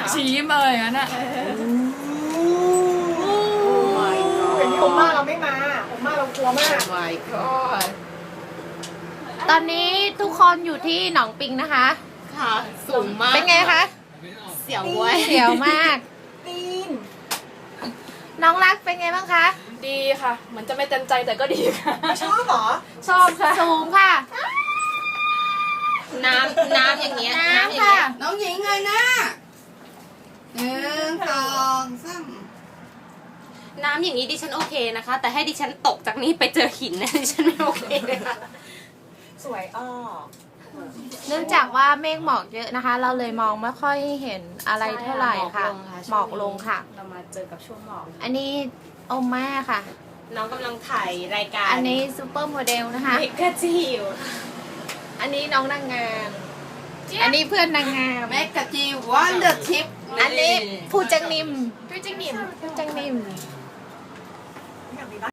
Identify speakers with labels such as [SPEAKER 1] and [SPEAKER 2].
[SPEAKER 1] ชี้มาอย่างนั้นอ่ะ
[SPEAKER 2] เห็นผมมาเราไม่มาผมมาเรากลัวมาก
[SPEAKER 3] my god
[SPEAKER 4] ตอนนี้ทุกคนอยู่ที่หนองปิงนะคะ
[SPEAKER 3] ค่ะสูงมาก
[SPEAKER 4] เป็นไงคะ
[SPEAKER 3] เสียวเว้ย
[SPEAKER 4] เสียวมาก
[SPEAKER 2] ตีน
[SPEAKER 4] น้องรักเป็นไงบ้างคะ
[SPEAKER 1] ดีค่ะเหมือนจะไม่เต็มใจแต่ก็ดีค่ะ
[SPEAKER 2] ชอบเหรอ
[SPEAKER 1] ชอบค่ะ
[SPEAKER 4] สูงค่ะ
[SPEAKER 3] น้ำอย่างเงี้ย
[SPEAKER 4] น้ำค่ะ
[SPEAKER 5] น้องหญิงเลยนะ1 2 3
[SPEAKER 3] น้ำอย่างนี้ดิฉันโอเคนะคะ แต่ให้ดิฉันตกจากนี้ไปเจอหินนะดิฉันไม่โอเคเลยค่ะ
[SPEAKER 2] สวยอ้อ
[SPEAKER 4] เนื่องจากว่าเมฆหมอกเยอะนะคะ เราเลยมองไม่ค่อยเห็นอะไรเท่าไหร่ค่ะ หมอกลงค่ะ
[SPEAKER 1] เรามาเจอกับช่วงหมอก
[SPEAKER 4] อันนี้โอม่าค่ะ
[SPEAKER 3] น้องกำลังถ่ายรายการ
[SPEAKER 4] อันนี้ซูเปอร์โมเดลนะคะ
[SPEAKER 3] เมกาจิว
[SPEAKER 4] อันนี้น้องนางงาม อันนี้เพื่อนนางงาม
[SPEAKER 5] แมกกาจีวันเดอร์ทิป
[SPEAKER 4] อันนี้ผู้จังนิมผู้จังนิม